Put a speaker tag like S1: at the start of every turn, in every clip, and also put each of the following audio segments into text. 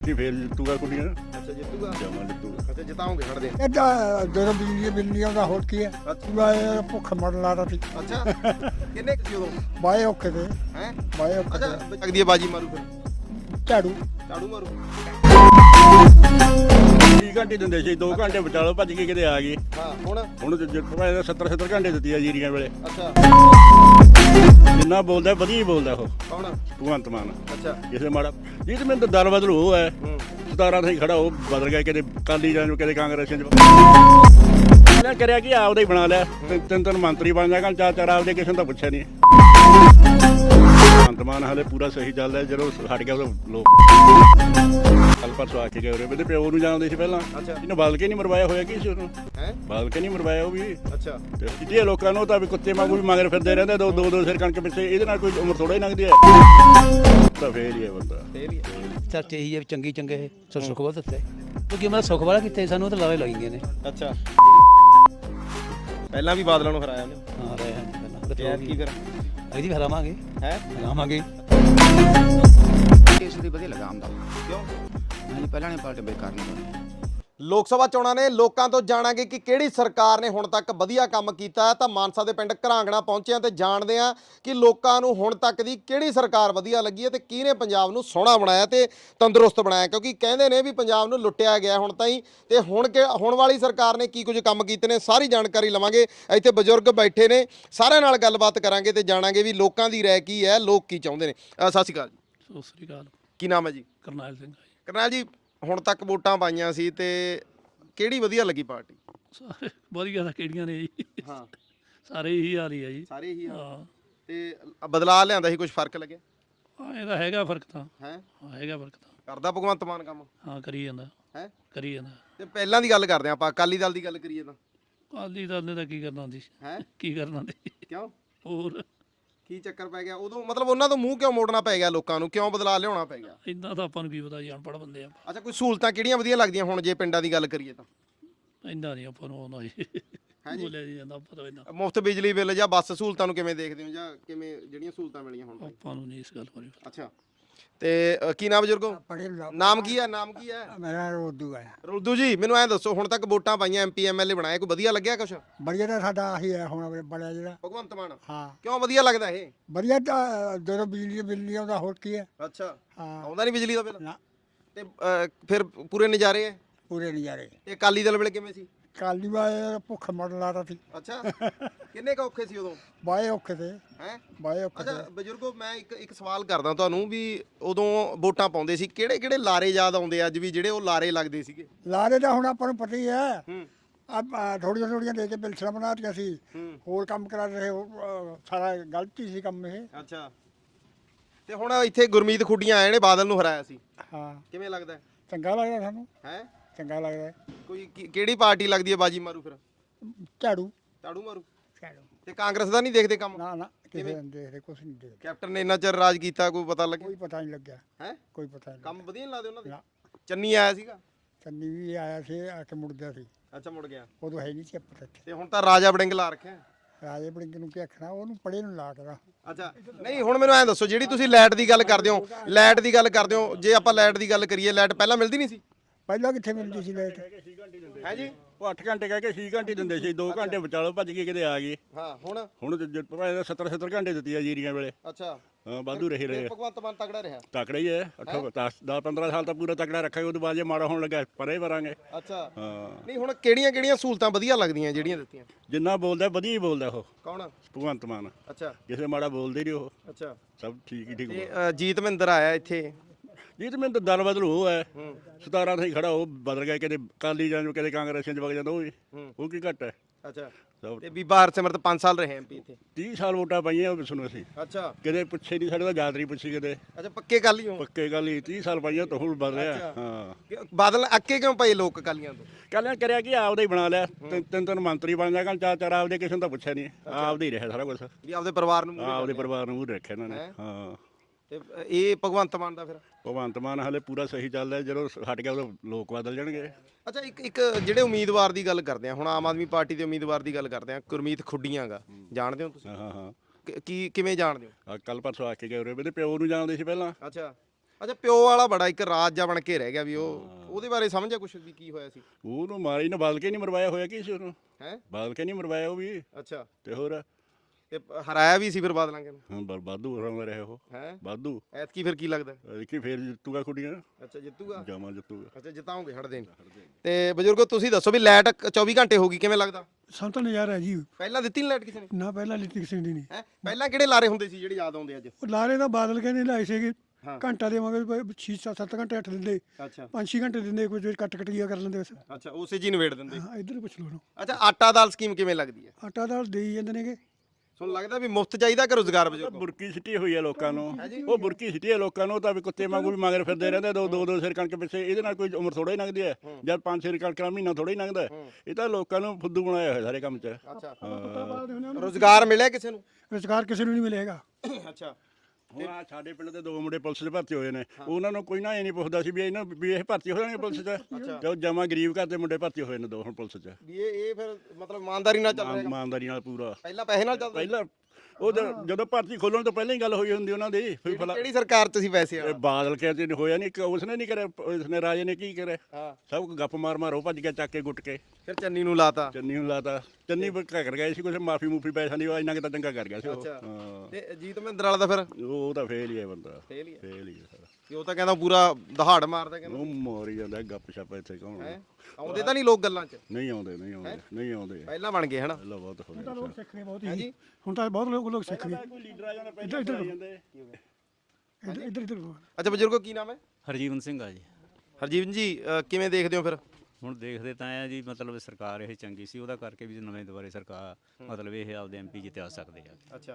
S1: ਫਿਰ ਜਿੱਤੂਗਾ ਕੁੜੀਆਂ।
S2: ਅੱਛਾ ਜਿੱਤੂਗਾ,
S1: ਜਮਾ ਜਿੱਤੂਗਾ।
S2: ਅੱਛਾ ਜਿਤਾਉਂਗੇ ਖੜਦੇ ਆ।
S3: ਇਹਦਾ ਜਦੋਂ ਬਿਜਲੀ ਬਿੱਲ ਨਹੀਂ ਆਉਂਦਾ ਹੋਰ ਕੀ ਹੈ। ਪੂਰਾ ਇਹ ਭੁੱਖ ਮਰਨ ਲਾ ਰਹੀ
S2: ਅੱਛਾ ਕਿੰਨੇ ਕੁ ਸੀ ਉਦੋਂ
S3: ਬਾਏ ਔਖੇ ਤੇ
S2: ਹੈ?
S3: ਬਾਏ ਔਖੇ
S2: ਅੱਛਾ
S3: ਤੇ
S2: ਲੱਗਦੀ ਹੈ ਬਾਜੀ ਮਾਰੂ ਫਿਰ
S3: ਝਾੜੂ
S2: ਝਾੜੂ ਮਾਰੂ।
S1: 20 ਘੰਟੇ ਦਿੰਦੇ ਸੀ, 2 ਘੰਟੇ ਵਿਚਾਲੋ ਭੱਜ ਕੇ ਕਿਤੇ ਆ ਗਏ।
S2: ਹਾਂ ਹੁਣ
S1: 70 ਘੰਟੇ ਦਿੱਤੀ ਆ ਜੀਰੀਆਂ ਵੇਲੇ।
S2: ਅੱਛਾ
S1: ਜਿੰਨਾ ਬੋਲਦਾ ਵਧੀਆ ਹੀ ਬੋਲਦਾ ਉਹ
S2: ਕੌਣ?
S1: ਭਗਵੰਤ ਮਾਨ।
S2: ਅੱਛਾ
S1: ਕਿਸੇ ਮਾੜਾ ਜੀ ਤੇ ਮੈਨੂੰ ਤਾਂ ਦਲ ਬਦਲ ਉਹ ਹੈ। 17 ਥਾਈ ਖੜਾ ਉਹ ਬਦਲ ਗਿਆ, ਕਿਤੇ ਕਾਲੀ ਜਾਂ ਕਿਤੇ ਕਾਂਗਰਸ ਚ ਇਹਨੇ ਕਰਿਆ ਕਿ ਆਪਦਾ ਹੀ ਬਣਾ ਲਿਆ। ਤਿੰਨ ਮੰਤਰੀ ਬਣ ਜਾ, ਚਾਰ ਚਾਰ ਆਪਦੇ, ਕਿਸੇ ਨੂੰ ਤਾਂ ਪੁੱਛਿਆ ਨਹੀਂ। ਭਗਵੰਤ ਮਾਨ ਹਾਲੇ ਪੂਰਾ ਸਹੀ ਚੱਲਦਾ। ਜਦੋਂ ਹਟ ਗਿਆ ਉਦੋਂ ਲੋਕ ਕੱਲ ਪਰਸੋਂ ਆ ਕੇ ਗਏ ਉਰੇ। ਮੇਰੇ ਪਿਓ ਨੂੰ ਜਾਣਦੇ ਸੀ ਪਹਿਲਾਂ।
S2: ਅੱਛਾ
S1: ਇਹਨੂੰ ਬਦਲ ਕੇ ਨਹੀਂ ਮਰਵਾਇਆ ਹੋਇਆ ਕੀ ਸੀ ਉਹਨੂੰ?
S2: ਹੈ
S1: ਬਦਲ ਕੇ ਨਹੀਂ ਮਰਵਾਇਆ ਉਹ ਵੀ।
S2: ਅੱਛਾ
S1: ਤੇ ਜਿਹਦੇ ਲੋਕਾਂ ਨੂੰ ਤਾਂ ਵੀ ਕੁੱਤੇ ਵਾਂਗੂ ਵੀ ਮਗਰ ਫਿਰਦੇ ਰਹਿੰਦੇ, ਦੋ ਸਿਰ ਕਣਕ ਪਿੱਛੇ। ਇਹਦੇ ਨਾਲ ਕੋਈ ਉਮਰ ਥੋੜਾ ਹੀ ਲੰਘਦੀ ਹੈ। ਤਾਂ ਫੇਰ ਹੀ ਹੈ ਬੰਦਾ।
S2: ਫੇਰ ਹੀ
S4: ਚਾਚੇ ਹੀ ਹੈ ਚੰਗੀ ਚੰਗੇ ਸੁੱਖ ਬਹੁਤ ਦਿੱਤੇ, ਕਿਉਂਕਿ ਮੈਂ ਸੁੱਖ ਵਾਲਾ ਕੀਤੇ ਸਾਨੂੰ ਤਾਂ ਲਾਵੇ ਲਾਈ ਗਏ ਨੇ।
S2: ਅੱਛਾ ਪਹਿਲਾਂ ਵੀ ਬਾਦਲਾਂ ਨੂੰ ਹਰਾਇਆ ਉਹਨੇ।
S4: ਹਾਂ ਰਹੇ ਹਾਂ ਪਹਿਲਾਂ
S2: ਯਾਰ ਕੀ ਫਿਰ
S4: ਇਹਦੀ ਵੀ ਹਰਾਵਾਂਗੇ
S2: ਹੈ
S4: ਹਰਾਵਾਂਗੇ।
S5: ਇਸ ਦੀ ਵਧੀਆ ਲਗਾਮ ਦਾ
S2: ਕਿਉਂ?
S5: ਹਾਂਜੀ ਪਹਿਲਾਂ ਨੇ ਪਾਰਟੀ ਬੇਕਾਰ ਨਹੀਂ ਬਣੀ।
S2: ਲੋਕ ਸਭਾ ਚੋਣਾਂ ਨੇ ਲੋਕਾਂ ਤੋਂ ਜਾਣਾਂਗੇ ਕਿ ਕਿਹੜੀ ਸਰਕਾਰ ਨੇ ਹੁਣ ਤੱਕ ਵਧੀਆ ਕੰਮ ਕੀਤਾ ਹੈ। ਤਾਂ ਮਾਨਸਾ ਦੇ ਪਿੰਡ ਘਰਾਂਗਣਾ ਪਹੁੰਚੇ ਹਾਂ ਤੇ ਜਾਣਦੇ ਹਾਂ ਕਿ ਲੋਕਾਂ ਨੂੰ ਹੁਣ ਤੱਕ ਦੀ ਕਿਹੜੀ ਸਰਕਾਰ ਵਧੀਆ ਲੱਗੀ ਹੈ ਤੇ ਕਿਹਨੇ ਪੰਜਾਬ ਨੂੰ ਸੋਹਣਾ ਬਣਾਇਆ ਤੇ ਤੰਦਰੁਸਤ ਬਣਾਇਆ। ਕਿਉਂਕਿ ਕਹਿੰਦੇ ਨੇ ਵੀ ਪੰਜਾਬ ਨੂੰ ਲੁੱਟਿਆ ਗਿਆ ਹੁਣ ਤਾਈਂ, ਤੇ ਹੁਣ ਵਾਲੀ ਸਰਕਾਰ ਨੇ ਕੀ ਕੁਝ ਕੰਮ ਕੀਤੇ ਨੇ ਸਾਰੀ ਜਾਣਕਾਰੀ ਲਵਾਂਗੇ। ਇੱਥੇ ਬਜ਼ੁਰਗ ਬੈਠੇ ਨੇ, ਸਾਰਿਆਂ ਨਾਲ ਗੱਲਬਾਤ ਕਰਾਂਗੇ ਤੇ ਜਾਣਾਂਗੇ ਵੀ ਲੋਕਾਂ ਦੀ ਰਾਏ ਕੀ ਹੈ, ਲੋਕ ਕੀ ਚਾਹੁੰਦੇ ਨੇ। ਸਤਿ ਸ਼੍ਰੀ ਅਕਾਲ ਜੀ।
S4: ਸਤਿ ਸ੍ਰੀ ਅਕਾਲ।
S2: ਕੀ ਨਾਮ ਹੈ ਜੀ?
S4: ਕਰਨੈਲ ਸਿੰਘ ਜੀ।
S2: ਕਰਨੈਲ ਜੀ ਹੁਣ ਤੱਕ ਵੋਟਾਂ ਪਾਈਆਂ ਸੀ ਤੇ ਕਿਹੜੀ ਵਧੀਆ ਲੱਗੀ ਪਾਰਟੀ?
S4: ਸਾਰੇ ਵਧੀਆ ਤਾਂ ਕਿਹੜੀਆਂ ਨੇ ਜੀ,
S2: ਹਾਂ
S4: ਸਾਰੇ ਇਹੀ ਹਾਲ ਹੀ ਆ ਜੀ।
S2: ਸਾਰੇ ਹੀ
S4: ਹਾਂ
S2: ਤੇ ਬਦਲਾਅ ਲਿਆਂਦਾ ਸੀ, ਕੁਝ ਫਰਕ ਲੱਗਿਆ
S4: ਇਹਦਾ ਹੈਗਾ ਫਰਕ ਤਾਂ।
S2: ਹੈ?
S4: ਹਾਂ ਹੈਗਾ ਫਰਕ ਤਾਂ।
S2: ਕਰਦਾ ਭਗਵੰਤ ਮਾਨ ਕੰਮ?
S4: ਹਾਂ ਕਰੀ ਜਾਂਦਾ
S2: ਹੈ
S4: ਕਰੀ ਜਾਂਦਾ।
S2: ਤੇ ਪਹਿਲਾਂ ਦੀ ਗੱਲ ਕਰਦੇ ਆਪਾਂ, ਅਕਾਲੀ ਦਲ ਦੀ ਗੱਲ ਕਰੀਏ ਤਾਂ
S4: ਅਕਾਲੀ ਦਲ ਨੇ ਤਾਂ ਕੀ ਕਰਨਾ ਹੁੰਦੀ,
S2: ਹੈ
S4: ਕੀ ਕਰਨਾ ਹੁੰਦੀ
S2: ਕਿਉਂ?
S4: ਹੋਰ
S2: ਕੀ ਚੱਕਰ ਪੈ ਗਿਆ ਉਦੋਂ? ਮਤਲਬ ਉਹਨਾਂ ਤੋਂ ਮੂੰਹ ਕਿਉਂ ਮੋੜਨਾ ਪੈ ਗਿਆ ਲੋਕਾਂ ਨੂੰ? ਕਿਉਂ ਬਦਲਾਅ ਲਿਆਉਣਾ ਪੈ ਗਿਆ?
S4: ਇੰਨਾ ਤਾਂ ਆਪਾਂ ਨੂੰ ਕੀ ਪਤਾ ਜੀ, ਅਨਪੜ੍ਹ ਬੰਦੇ ਆ।
S2: ਅੱਛਾ ਕੋਈ ਸਹੂਲਤਾਂ ਕਿਹੜੀਆਂ ਵਧੀਆ ਲੱਗਦੀਆਂ ਹੁਣ ਜੇ ਪਿੰਡਾਂ ਦੀ ਗੱਲ ਕਰੀਏ ਤਾਂ?
S4: ਇੰਨਾ ਨਹੀਂ ਆਪਾਂ ਨੂੰ ਆਉਂਦਾ ਜੀ, ਬੋਲਿਆ ਜੀ ਜਾਂਦਾ ਪਤਾ ਇੰਨਾ।
S2: ਮੁਫਤ ਬਿਜਲੀ ਬਿੱਲ ਜਾਂ ਬੱਸ ਸਹੂਲਤਾਂ ਨੂੰ ਕਿਵੇਂ ਦੇਖਦੇ ਹੋ, ਜਾਂ ਕਿਵੇਂ ਜਿਹੜੀਆਂ ਸਹੂਲਤਾਂ ਮਿਲੀਆਂ ਹੁਣ ਤਾਈਂ?
S4: ਆਪਾਂ ਨੂੰ ਨਹੀਂ ਇਸ ਗੱਲ ਬਾਰੇ ਪਤਾ।
S2: ਅੱਛਾ ਤੇ ਕੀ ਨਾਮ ਬਜ਼ੁਰਗੋ?
S3: ਪੜੇ
S2: ਨਾਮ ਕੀ ਹੈ? ਨਾਮ ਕੀ ਹੈ?
S3: ਮੇਰਾ ਰੋਦੂ ਹੈ।
S2: ਰੁਲਦੂ ਜੀ ਮੈਨੂੰ ਐਂ ਦੱਸੋ, ਹੁਣ ਤੱਕ ਵੋਟਾਂ ਪਾਈਆਂ, ਐਮਪੀ ਐਮਐਲਏ ਬਣਾਏ, ਕੋਈ ਵਧੀਆ ਲੱਗਿਆ ਕੁਛ?
S3: ਵਧੀਆ ਤਾਂ ਸਾਡਾ ਆਹੀ ਹੈ ਹੁਣ ਬੜਿਆ ਜਿਹੜਾ।
S2: ਭਗਵੰਤ ਮਾਨ
S3: ਹਾਂ
S2: ਕਿਉਂ ਵਧੀਆ ਲੱਗਦਾ ਇਹ?
S3: ਵਧੀਆ ਤਾਂ ਜਦੋਂ ਬਿਜਲੀ ਬਿੱਲ ਨਹੀਂ ਆਉਂਦਾ ਹੋਰ ਕੀ ਹੈ।
S2: ਅੱਛਾ
S3: ਹਾਂ
S2: ਆਉਂਦਾ ਨਹੀਂ ਬਿਜਲੀ ਦਾ ਬਿੱਲ
S3: ਨਾ
S2: ਤੇ ਫਿਰ ਪੂਰੇ ਨਜ਼ਾਰੇ ਹੈ?
S3: ਪੂਰੇ ਨਜ਼ਾਰੇ।
S2: ਤੇ ਅਕਾਲੀ ਦਲ ਵੇਲੇ ਕਿਵੇਂ ਸੀ?
S3: ਕਾਲੀ ਬਾਏ ਭੁੱਖ ਮਰਨ ਲਾ ਰਹੀ
S2: ਅੱਛਾ ਕਿੰਨੇ ਕੁ ਔਖੇ ਸੀ ਉਦੋਂ?
S3: ਬਾਏ ਔਖੇ ਤੇ
S2: ਹੈ
S3: ਬਾਏ ਔਖੇ
S2: ਅੱਛਾ
S3: ਤੇ।
S2: ਬਜ਼ੁਰਗੋ ਮੈਂ ਇੱਕ ਸਵਾਲ ਕਰਦਾ ਤੁਹਾਨੂੰ ਵੀ ਉਦੋਂ ਵੋਟਾਂ ਪਾਉਂਦੇ ਸੀ, ਕਿਹੜੇ ਕਿਹੜੇ ਲਾਰੇ ਯਾਦ ਆਉਂਦੇ ਅੱਜ ਵੀ ਜਿਹੜੇ ਉਹ ਲਾਰੇ ਲੱਗਦੇ ਸੀਗੇ?
S3: ਲਾਰੇ ਦਾ ਹੁਣ ਆਪਾਂ ਨੂੰ ਪਤਾ ਹੀ ਹੈ।
S2: ਹੂੰ
S3: ਆ ਥੋੜੀਆਂ ਥੋੜੀਆਂ ਦੇ ਕੇ ਬਿਲਸਲਾਂ ਬਣਾਤੀਆਂ ਸੀ,
S2: ਹੂੰ
S3: ਹੋਰ ਕੰਮ ਕਰਾ ਰਹੇ ਸਾਰਾ ਗਲਤੀ ਸੀ ਕੰਮ ਇਹ।
S2: ਅੱਛਾ ਤੇ ਹੁਣ ਇੱਥੇ ਗੁਰਮੀਤ ਖੁੱਡੀਆਂ ਆਏ ਨੇ, ਬਾਦਲ ਨੂੰ ਹਰਾਇਆ ਸੀ,
S3: ਹਾਂ
S2: ਕਿਵੇਂ ਲੱਗਦਾ
S3: ਚੰਗਾ ਲੱਗਦਾ ਸਾਨੂੰ,
S2: ਹੈ?
S3: ਚੰਗਾ ਲੱਗਦਾ।
S2: ਕੋਈ ਕਿਹੜੀ ਪਾਰਟੀ ਲੱਗਦੀ ਹੈ ਬਾਜੀ ਮਾਰੂ ਫਿਰ?
S3: ਝਾੜੂ
S2: ਝਾੜੂ ਮਾਰੂ।
S3: ਝਾੜੂ
S2: ਤੇ ਕਾਂਗਰਸ ਦਾ ਨਹੀਂ ਦੇਖਦੇ ਕੰਮ?
S3: ਨਾ ਨਾ ਕਿਸੇ ਨੂੰ ਦੇਖਦੇ ਕੁਛ ਨਹੀਂ ਦੇਖਦੇ,
S2: ਕੈਪਟਨ ਨੇ ਇੰਨਾ ਚਿਰ ਰਾਜ ਕੀਤਾ, ਕੋਈ ਪਤਾ ਲੱਗੇ?
S3: ਕੋਈ ਪਤਾ ਨਹੀਂ ਲੱਗਿਆ,
S2: ਹੈ
S3: ਕੋਈ ਪਤਾ ਨਹੀਂ।
S2: ਕੰਮ ਵਧੀਆ ਨਹੀਂ ਲੱਗਦੇ ਉਹਨਾਂ ਦੇ?
S3: ਨਾ।
S2: ਚੰਨੀ ਆਇਆ ਸੀਗਾ?
S3: ਚੰਨੀ ਵੀ ਆਇਆ ਸੀ, ਆ ਕੇ ਮੁੜ ਗਿਆ ਸੀ,
S2: ਅੱਛਾ ਮੁੜ ਗਿਆ।
S3: ਉਦੋਂ ਹੈ ਨਹੀਂ ਸੀ ਆਪਾਂ ਇੱਥੇ।
S2: ਤੇ ਹੁਣ ਤਾਂ ਰਾਜਾ ਵੜਿੰਗ ਲਾ ਰੱਖਿਆ।
S3: ਰਾਜੇ ਬੜਿੰਗ ਨੂੰ ਕੀ ਆਖਣਾ, ਉਹਨੂੰ ਪੜੇ ਨੂੰ ਲਾ ਕਰਾ।
S2: ਅੱਛਾ ਨਹੀਂ ਹੁਣ ਮੈਨੂੰ ਐਂ ਦੱਸੋ, ਜਿਹੜੀ ਤੁਸੀਂ ਲਾਈਟ ਦੀ ਗੱਲ ਕਰਦੇ ਹੋ, ਲਾਈਟ ਦੀ ਗੱਲ ਕਰਦੇ ਹੋ, ਜੇ ਆਪਾਂ ਲਾਈਟ ਦੀ ਗੱਲ ਕਰੀਏ, ਲਾਈਟ ਪਹਿਲਾਂ ਮਿਲਦੀ ਨਹੀਂ ਸੀ?
S3: ਪਹਿਲਾਂ ਕਿੱਥੇ ਮਿਲਦੀ ਸੀ ਲਾਈਟ?
S2: ਹੈ ਜੀ
S1: ਉਹ 8 ਘੰਟੇ ਕਹਿ ਕੇ 6 ਘੰਟੇ ਦਿੰਦੇ ਸੀ, 2 ਘੰਟੇ ਵਿਚਾਲੋ ਭੱਜ ਕੇ ਕਿਤੇ ਆ ਗਏ।
S2: ਹਾਂ ਹੁਣ
S1: 70 ਘੰਟੇ ਦਿੱਤੀ ਆ ਜੀਰੀਆਂ ਵੇਲੇ।
S2: ਅੱਛਾ
S1: ਹਾਂ ਵਾਧੂ ਰਹੇ ਰਹੇ।
S2: ਭਗਵੰਤ ਮਾਨ ਤਗੜਾ ਰਿਹਾ?
S1: ਤਕੜਾ ਹੀ ਹੈ। 10-15 ਸਾਲ ਤਾਂ ਪੂਰਾ ਤਕੜਾ ਰੱਖਾਂਗੇ, ਉਹਦੇ ਬਾਅਦ ਜੇ ਮਾੜਾ ਹੋਣ ਲੱਗਾ ਪਰੇ ਵਰਾਂਗੇ।
S2: ਅੱਛਾ
S1: ਹਾਂ
S2: ਨਹੀਂ ਹੁਣ ਕਿਹੜੀਆਂ ਕਿਹੜੀਆਂ ਸਹੂਲਤਾਂ ਵਧੀਆ ਲੱਗਦੀਆਂ ਜਿਹੜੀਆਂ ਦਿੱਤੀਆਂ?
S1: ਜਿੰਨਾ ਬੋਲਦਾ ਵਧੀਆ ਹੀ ਬੋਲਦਾ ਉਹ
S2: ਕੌਣ?
S1: ਭਗਵੰਤ ਮਾਨ।
S2: ਅੱਛਾ
S1: ਕਿਸੇ ਮਾੜਾ ਬੋਲਦੇ ਨਹੀਂ ਉਹ,
S2: ਅੱਛਾ
S1: ਸਭ ਠੀਕ ਹੀ ਠੀਕ
S2: ਤੇ
S1: ਬੋਲਦਾ।
S2: ਜੀਤ ਮਹਿੰਦਰ ਆਇਆ ਇੱਥੇ?
S1: ਜੀ ਤੇ ਮੈਨੂੰ ਤਾਂ ਦਲ ਬਦਲ ਉਹ ਹੈ। 17 ਥਾਈ ਖੜਾ ਉਹ ਬਦਲ ਗਿਆ, ਕਿਤੇ ਕਾਲੀ ਜਾਂ ਕਿਤੇ ਕਾਂਗਰਸ ਚ ਵਗ ਜਾਂਦਾ ਉਹ ਕੀ ਘੱਟ ਹੈ।
S2: ਅੱਛਾ
S1: ਸਭ
S2: ਤੇ ਬੀਬਾ ਹਰਸਿਮਰਤ 5 ਸਾਲ ਰਹੇ ਐਮਪੀ ਇੱਥੇ?
S1: 30 ਸਾਲ ਵੋਟਾਂ ਪਾਈਆਂ ਉਹ ਸੁਣੋ ਅਸੀਂ,
S2: ਅੱਛਾ
S1: ਕਿਤੇ ਪੁੱਛੇ ਨਹੀਂ, ਸਾਡੇ ਤਾਂ ਯਾਦ ਨਹੀਂ ਪੁੱਛੀ ਕਿਤੇ।
S2: ਅੱਛਾ ਪੱਕੇ ਕਾਲੀ ਹੋ?
S1: ਪੱਕੇ ਗੱਲ ਹੀ 30 ਸਾਲ ਪਾਈਆਂ ਤਾਂ ਹੁਣ ਬਦਲਿਆ। ਹਾਂ
S2: ਬਾਦਲ ਅੱਕੇ ਕਿਉਂ ਪਏ ਲੋਕ ਕਾਲੀਆਂ ਤੋਂ?
S1: ਕੱਲਿਆਂ ਕਰਿਆ ਕਿ ਆਪਦਾ ਹੀ ਬਣਾ ਲਿਆ। ਤਿੰਨ ਮੰਤਰੀ ਬਣ ਜਾ, ਚਾਰ ਚਾਰ ਆਪਦੇ, ਕਿਸੇ ਨੂੰ ਤਾਂ ਪੁੱਛਿਆ ਨਹੀਂ, ਆਪਦਾ ਹੀ ਰਿਹਾ ਸਾਰਾ ਕੁਝ।
S2: ਵੀ ਆਪਦੇ ਪਰਿਵਾਰ ਨੂੰ ਮੂਹਰੇ
S1: ਆਪਦੇ ਪਰਿਵਾਰ ਨੂੰ ਮੂਹਰੇ ਰੱਖਿਆ ਇਹਨਾਂ ਨੇ। ਹਾਂ
S2: ਤੇ ਇਹ ਭਗਵੰਤ ਮਾਨ ਦਾ ਫਿਰ?
S1: ਭਗਵੰਤ ਮਾਨ ਹਾਲੇ ਪੂਰਾ ਸਹੀ ਚੱਲਦਾ। ਜਦੋਂ ਹਟ ਗਿਆ ਉਦੋਂ ਲੋਕ ਬਦਲ ਜਾਣਗੇ।
S2: ਅੱਛਾ ਇੱਕ ਜਿਹੜੇ ਉਮੀਦਵਾਰ ਦੀ ਗੱਲ ਕਰਦੇ ਆ, ਹੁਣ ਆਮ ਆਦਮੀ ਪਾਰਟੀ ਦੇ ਉਮੀਦਵਾਰ ਦੀ ਗੱਲ ਕਰਦੇ ਆ, ਗੁਰਮੀਤ ਖੁੱਡੀਆਂ ਗਾ, ਜਾਣਦੇ ਹੋ ਤੁਸੀਂ?
S1: ਹਾਂ ਹਾਂ ਹਾਂ
S2: ਕਿਵੇਂ ਜਾਣਦੇ ਹੋ?
S1: ਕੱਲ ਪਰਸੋਂ ਆ ਕੇ ਗਏ ਉਰੇ। ਮੇਰੇ ਪਿਓ ਨੂੰ ਜਾਣਦੇ ਸੀ ਪਹਿਲਾਂ।
S2: ਅੱਛਾ ਅੱਛਾ ਪਿਓ ਵਾਲਾ ਬੜਾ ਇੱਕ ਰਾਜ ਜਾ ਬਣ ਕੇ ਰਹਿ ਗਿਆ ਵੀ ਉਹਦੇ ਬਾਰੇ ਸਮਝਿਆ ਕੁਛ ਵੀ ਕੀ ਹੋਇਆ ਸੀ
S1: ਉਹਨੂੰ ਮਾਰੀ ਨਾ ਬਾਦਲ ਕੇ ਨਹੀਂ ਮਰਵਾਇਆ ਹੋਇਆ ਕੀ ਸੀ ਉਹਨੂੰ
S2: ਹੈ
S1: ਬਾਦਲ ਕੇ ਨਹੀਂ ਮਰਵਾਇਆ ਉਹ ਵੀ
S2: ਅੱਛਾ
S1: ਤੇ ਹੋਰ
S2: ਤੇ ਹਰਾਇਆ ਵੀ ਸੀ ਫਿਰ ਬਾਦਲਾਂ ਕੇ
S1: ਹਾਂ ਬਾਦੂ ਰੰਗ ਰਹੇ ਉਹ
S2: ਹੈ
S1: ਬਾਦੂ
S2: ਐਤਕੀ ਫਿਰ ਕੀ ਲੱਗਦਾ
S1: ਕਿ ਫੇਰ ਜਿੱਤੂਗਾ ਕੁੜੀਆਂ
S2: ਅੱਛਾ ਜਿੱਤੂਗਾ
S1: ਜਾਵਾਂ ਜਿੱਤੂਗਾ
S2: ਅੱਛਾ ਜਿਤਾਉਂਗੇ ਹਟਦੇ ਨਹੀਂ ਤੇ ਬਜ਼ੁਰਗੋ ਤੁਸੀਂ ਦੱਸੋ ਵੀ ਲਾਈਟ 24 ਘੰਟੇ ਹੋ ਗਈ ਕਿਵੇਂ ਲੱਗਦਾ
S3: ਸਾਨੂੰ ਤਾਂ ਨਜ਼ਾਰਾ ਹੈ ਜੀ
S2: ਪਹਿਲਾਂ ਦਿੱਤੀ ਨੀ ਲਾਈਟ ਕਿਸੇ ਨੇ
S3: ਨਾ ਪਹਿਲਾਂ ਲਿੱਤੀ ਕਿਸੇ ਦੀ ਨਹੀਂ
S2: ਹੈ ਪਹਿਲਾਂ ਕਿਹੜੇ ਲਾਰੇ ਹੁੰਦੇ ਸੀ ਜਿਹੜੇ ਯਾਦ ਆਉਂਦੇ ਅੱਜ
S3: ਉਹ ਲਾਰੇ ਦਾ ਬਾਦਲ ਕਹਿੰਦੇ ਲਾਏ ਸੀਗੇ
S2: ਹਾਂ।
S3: ਘੰਟਾ ਦੇਵਾਂਗੇ 6-7 ਘੰਟੇ 8 ਦਿੰਦੇ
S2: ਅੱਛਾ
S3: 5-6 ਘੰਟੇ ਦਿੰਦੇ ਕੁਝ ਕੱਟ ਕਟੀਆ ਕਰ ਲੈਂਦੇ ਬਸ
S2: ਅੱਛਾ ਉਸੇ ਜੀ ਨਵੇੜ ਦਿੰਦੇ
S3: ਹਾਂ ਇੱਧਰ ਪੁੱਛ ਲਓ ਉਹਨੂੰ।
S2: ਅੱਛਾ ਆਟਾ ਦਾਲ ਸਕੀਮ ਕਿਵੇਂ ਲੱਗਦੀ ਹੈ
S3: ਆਟਾ ਦਾਲ ਦੇਈ ਜਾਂਦੇ ਨੇਗੇ
S2: ਤੁਹਾਨੂੰ ਲੱਗਦਾ ਵੀ ਮੁਫਤ ਚਾਹੀਦਾ ਕਿ ਰੋਜ਼ਗਾਰ ਬਜ਼ੁਰਗੋ
S1: ਬੁਰਕੀ ਸਿੱਟੀ ਹੋਈ ਹੈ ਲੋਕਾਂ ਨੂੰ ਉਹ ਬੁਰਕੀ ਸਿੱਟੀ ਹੈ ਲੋਕਾਂ ਨੂੰ ਤਾਂ ਵੀ ਕੁੱਤੇ ਵਾਂਗੂ ਵੀ ਮਗਰ ਫਿਰਦੇ ਰਹਿੰਦੇ ਦੋ ਸਿਰ ਕਣਕ ਪਿੱਛੇ ਇਹਦੇ ਨਾਲ ਕੋਈ ਉਮਰ ਥੋੜਾ ਹੀ ਲੰਘਦੀ ਹੈ ਜਦ 5 ਸਿਰ ਕਣਕ ਦਾ ਮਹੀਨਾ ਥੋੜਾ ਹੀ ਲੰਘਦਾ ਇਹ ਤਾਂ ਲੋਕਾਂ ਨੂੰ ਫੁੱਦੂ ਬਣਾਇਆ ਹੋਇਆ ਸਾਰੇ ਕੰਮ 'ਚ
S2: ਅੱਛਾ
S3: ਹਾਂ।
S2: ਰੋਜ਼ਗਾਰ ਮਿਲਿਆ ਕਿਸੇ ਨੂੰ
S3: ਰੁਜ਼ਗਾਰ ਕਿਸੇ ਨੂੰ ਨਹੀਂ ਮਿਲੇਗਾ
S2: ਅੱਛਾ
S1: ਹੁਣ ਆਹ ਸਾਡੇ ਪਿੰਡ ਦੇ 2 ਮੁੰਡੇ ਪੁਲਿਸ 'ਚ ਭਰਤੀ ਹੋਏ ਨੇ ਉਹਨਾਂ ਨੂੰ ਕੋਈ ਨਾ ਇਹ ਨਹੀਂ ਪੁੱਛਦਾ ਸੀ ਵੀ ਇਹਨਾਂ ਵੀ ਇਹ ਭਰਤੀ ਹੋ ਜਾਣਗੇ ਪੁਲਿਸ 'ਚ ਤੇ ਉਹ ਜਮਾ ਗਰੀਬ ਘਰ ਦੇ ਮੁੰਡੇ ਭਰਤੀ ਹੋਏ ਨੇ 2 ਹੁਣ ਪੁਲਿਸ 'ਚ
S2: ਵੀ ਇਹ ਫਿਰ ਮਤਲਬ ਇਮਾਨਦਾਰੀ ਨਾਲ ਚੱਲ ਰਿਹਾ
S1: ਇਮਾਨਦਾਰੀ ਨਾਲ ਪੂਰਾ
S2: ਪਹਿਲਾਂ ਪੈਸੇ ਨਾਲ ਚੱਲਦਾ
S1: ਪਹਿਲਾਂ ਉਹ ਜਦੋਂ ਭਰਤੀ ਖੋਲਣ ਤੋਂ ਪਹਿਲਾਂ ਹੀ ਗੱਲ ਹੋਈ ਹੁੰਦੀ ਉਹਨਾਂ ਦੀ ਫਿਰ ਭਲਾ
S2: ਕਿਹੜੀ ਸਰਕਾਰ ਤੁਸੀਂ ਪੈਸੇ
S1: ਇਹ ਬਾਦਲ ਕੇ ਤੇ ਹੋਇਆ ਨਹੀਂ ਉਸਨੇ ਨਹੀਂ ਕਰਿਆ ਉਸਨੇ ਰਾਜੇ ਨੇ ਕੀ ਕਰਿਆ
S2: ਹਾਂ
S1: ਸਭ ਕੁ ਗੱਪ ਮਾਰ ਉਹ ਭੱਜ ਗਿਆ ਚੱਕ ਕੇ ਗੁੱਟ ਕੇ
S2: ਫਿਰ ਚੰਨੀ ਨੂੰ ਲਾਤਾ
S1: ਚੰਨੀ ਨੂੰ ਲਾਤਾ ਚੰਨੀ ਕਰ ਗਿਆ ਸੀ ਕੁਛ ਮਾਫੀ ਮੂਫੀ ਪੈਸਾ ਨਹੀਂ ਉਹ ਇੰਨਾ ਕਿ ਤਾਂ ਚੰਗਾ ਕਰ ਗਿਆ ਸੀ ਉਹ
S2: ਅੱਛਾ।
S1: ਹਾਂ
S2: ਤੇ ਜੀਤ ਮਹਿੰਦਰ ਵਾਲਾ ਤਾਂ ਫਿਰ
S1: ਉਹ ਤਾਂ ਫੇਲ ਹੀ ਹੈ ਬੰਦਾ
S2: ਫੇਲ ਹੀ ਹੈ
S1: ਫੇਲ ਹੀ ਹੈ ਸਾਰਾ
S2: ਤੇ ਉਹ ਤਾਂ ਕਹਿੰਦਾ ਪੂਰਾ ਦਹਾੜ ਮਾਰਦਾ ਕਹਿੰਦਾ
S1: ਉਹ ਮੋਰੀ ਜਾਂਦਾ ਗੱਪ ਛੱਪ ਇੱਥੇ ਕੌਣ
S2: ਆਉਂਦੇ ਤਾਂ ਨਹੀਂ ਲੋਕ ਗੱਲਾਂ 'ਚ
S1: ਨਹੀਂ ਆਉਂਦੇ ਨਹੀਂ ਆਉਂਦੇ
S2: ਪਹਿਲਾਂ ਬਣ ਗਏ ਹਨਾ
S1: ਪਹਿਲਾਂ ਬਹੁਤ ਹੋ
S3: ਤਾਂ
S1: ਗਿਆ
S3: ਲੋਕ ਸਿੱਖ ਗਏ ਬਹੁਤ ਹੀ ਹੁਣ ਤਾਂ ਬਹੁਤ ਲੋਕ ਸਿੱਖ ਗਏ
S1: ਕੋਈ ਲੀਡਰ ਆ ਜਾਂਦਾ ਪਹਿਲਾਂ ਆ ਜਾਂਦੇ
S3: ਇੱਧਰ
S2: ਅੱਛਾ ਬਜ਼ੁਰਗੋ ਕੀ ਨਾਮ ਹੈ
S6: ਹਰਜੀਵਨ ਸਿੰਘ ਆ ਜੀ।
S2: ਹਰਜੀਵਨ ਜੀ ਕਿਵੇਂ ਦੇਖਦੇ ਹੋ ਫਿਰ
S6: ਹੁਣ ਦੇਖਦੇ ਤਾਂ ਆ ਜੀ ਮਤਲਬ ਸਰਕਾਰ ਇਹ ਚੰਗੀ ਸੀ ਉਹਦਾ ਕਰਕੇ ਵੀ ਨਵੇਂ ਦੁਬਾਰੇ ਸਰਕਾਰ ਮਤਲਬ ਇਹ ਆਪਦੇ ਐਮਪੀ ਜਿੱਤੇ ਆ ਸਕਦੇ ਆ।
S2: ਅੱਛਾ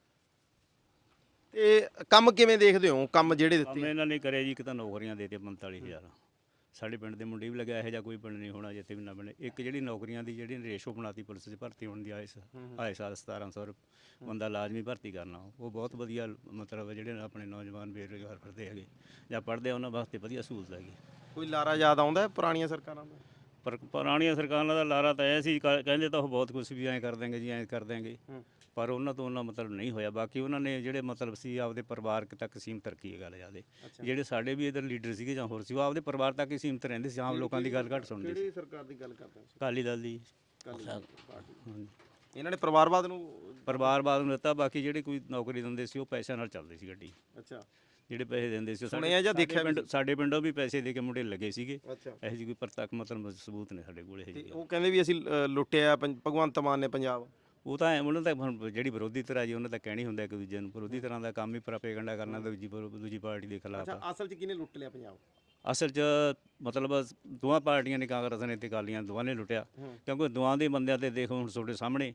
S2: ਤੇ ਕੰਮ ਕਿਵੇਂ ਦੇਖਦੇ ਹੋ ਕੰਮ ਜਿਹੜੇ
S6: ਕੰਮ
S2: ਦਿੱਤੇ
S6: ਇਹਨਾਂ ਨੇ ਕਰਿਆ ਜੀ, ਇੱਕ ਤਾਂ ਨੌਕਰੀਆਂ ਦੇ ਦਿੱਤੀਆਂ 45000 ਸਾਡੇ ਪਿੰਡ ਦੇ ਮੁੰਡੇ ਵੀ ਲੱਗਿਆ ਇਹੋ ਜਿਹਾ ਕੋਈ ਪਿੰਡ ਨਹੀਂ ਹੋਣਾ ਜਿੱਥੇ ਵੀ ਨਾ ਬਣੇ। ਇੱਕ ਜਿਹੜੀ ਨੌਕਰੀਆਂ ਦੀ ਜਿਹੜੀ ਰੇਸ਼ੋ ਬਣਾਤੀ ਪੁਲਿਸ 'ਚ ਭਰਤੀ ਹੋਣ ਦੀ ਆਏ ਸਾਲ 1700 ਬੰਦਾ ਲਾਜ਼ਮੀ ਭਰਤੀ ਕਰਨਾ ਉਹ ਬਹੁਤ ਵਧੀਆ ਮਤਲਬ ਜਿਹੜੇ ਆਪਣੇ ਨੌਜਵਾਨ ਬੇਰੁਜ਼ਗਾਰ ਫਿਰਦੇ ਹੈਗੇ ਜਾਂ ਪੜ੍ਹਦੇ ਆ ਉਹਨਾਂ ਵਾਸਤੇ ਵਧੀਆ ਸਹੂਲਤ ਹੈਗੀ।
S2: ਕੋਈ ਲਾਰਾ ਯਾਦ ਆਉਂਦਾ ਹੈ ਪੁਰਾਣੀਆਂ ਸਰਕਾਰਾਂ ਦਾ
S6: ਪਰ ਪੁਰਾਣੀਆਂ ਸਰਕਾਰਾਂ ਦਾ ਲਾਰਾ ਤਾਂ ਇਹ ਸੀ ਕਹਿੰਦੇ ਤਾਂ ਉਹ ਬਹੁਤ ਕੁਝ ਵੀ ਐਂ ਕਰ ਦੇਂਗੇ ਜੀ ਐਂ ਕਰ ਦੇਂਗੇ ਪਰ ਉਹਨਾਂ ਤੋਂ ਉਹਨਾਂ ਮਤਲਬ ਨਹੀਂ ਹੋਇਆ। ਬਾਕੀ ਉਹਨਾਂ ਨੇ ਜਿਹੜੇ ਮਤਲਬ ਸੀ ਆਪਦੇ ਪਰਿਵਾਰ ਤੱਕ ਸੀਮਤ ਰੱਖੀ ਹੈ ਗੱਲ ਜ਼ਿਆਦੇ। ਜਿਹੜੇ ਸਾਡੇ ਵੀ ਇਧਰ ਲੀਡਰ ਸੀਗੇ ਜਾਂ ਹੋਰ ਸੀ ਉਹ ਆਪਦੇ ਪਰਿਵਾਰ ਤੱਕ ਹੀ ਸੀਮਤ ਰਹਿੰਦੇ ਸੀ, ਆਮ ਲੋਕਾਂ ਦੀ ਗੱਲ ਘੱਟ ਸੁਣਦੇ ਸੀ।
S2: ਕਿਹੜੀ ਸਰਕਾਰ ਦੀ ਗੱਲ ਕਰਦੇ ਹੋ
S6: ਅਕਾਲੀ ਦਲ ਦੀ
S2: ਇਹਨਾਂ ਨੇ ਪਰਿਵਾਰਵਾਦ ਨੂੰ
S6: ਪਰਿਵਾਰਵਾਦ ਨੂੰ ਦਿੱਤਾ। ਬਾਕੀ ਜਿਹੜੇ ਕੋਈ ਨੌਕਰੀ ਦਿੰਦੇ ਸੀ ਉਹ ਪੈਸਿਆਂ ਨਾਲ ਚੱਲਦੀ ਸੀ ਗੱਡੀ।
S2: ਅੱਛਾ
S6: ਜਿਹੜੇ ਪੈਸੇ ਦਿੰਦੇ ਸੀ ਉਹ
S2: ਸੁਣਿਆ ਜਾਂ ਦੇਖਿਆ ਵੀ
S6: ਸਾਡੇ ਪਿੰਡੋਂ ਵੀ ਪੈਸੇ ਦੇ ਕੇ ਮੁੰਡੇ ਲੱਗੇ ਸੀਗੇ।
S2: ਅੱਛਾ
S6: ਇਹੋ ਜਿਹੀ ਕੋਈ ਪ੍ਰਤੱਖ ਮਤਲਬ ਸਬੂਤ ਨੇ ਸਾਡੇ ਕੋਲ ਇਹ
S2: ਤੇ
S6: ਜਿਹੀ।
S2: ਉਹ ਕਹਿੰਦੇ ਵੀ ਅਸੀਂ ਲੁੱਟਿਆ ਭਗਵੰਤ ਮਾਨ ਨੇ ਪੰਜਾਬ
S6: ਉਹ ਤਾਂ ਉਹਨਾਂ ਦਾ ਹੁਣ ਜਿਹੜੀ ਵਿਰੋਧੀ ਧਿਰ ਆ ਜੀ ਉਹਨਾਂ ਦਾ ਕਹਿਣੀ ਹੁੰਦਾ ਇੱਕ ਦੂਜੇ ਨੂੰ ਵਿਰੋਧੀ ਤਰ੍ਹਾਂ ਦਾ ਕੰਮ ਹੀ ਪ੍ਰੋਪੇਗੈਂਡਾ ਕਰਨਾ ਦੂਜੀ ਪਾਰਟੀ ਦੇ ਖਿਲਾਫ।
S2: ਅੱਛਾ ਅਸਲ 'ਚ ਕਿਹਨੇ ਲੁੱਟ ਲਿਆ ਪੰਜਾਬ
S6: ਅਸਲ 'ਚ ਮਤਲਬ ਦੋਵਾਂ ਪਾਰਟੀਆਂ ਨੇ, ਕਾਂਗਰਸ ਨੇ ਤੇ ਅਕਾਲੀਆਂ ਦੋਵਾਂ ਨੇ ਲੁੱਟਿਆ ਕਿਉਂਕਿ ਦੋਵਾਂ ਦੇ ਬੰਦਿਆਂ ਤੇ ਦੇਖੋ ਹੁਣ ਤੁਹਾਡੇ ਸਾਹਮਣੇ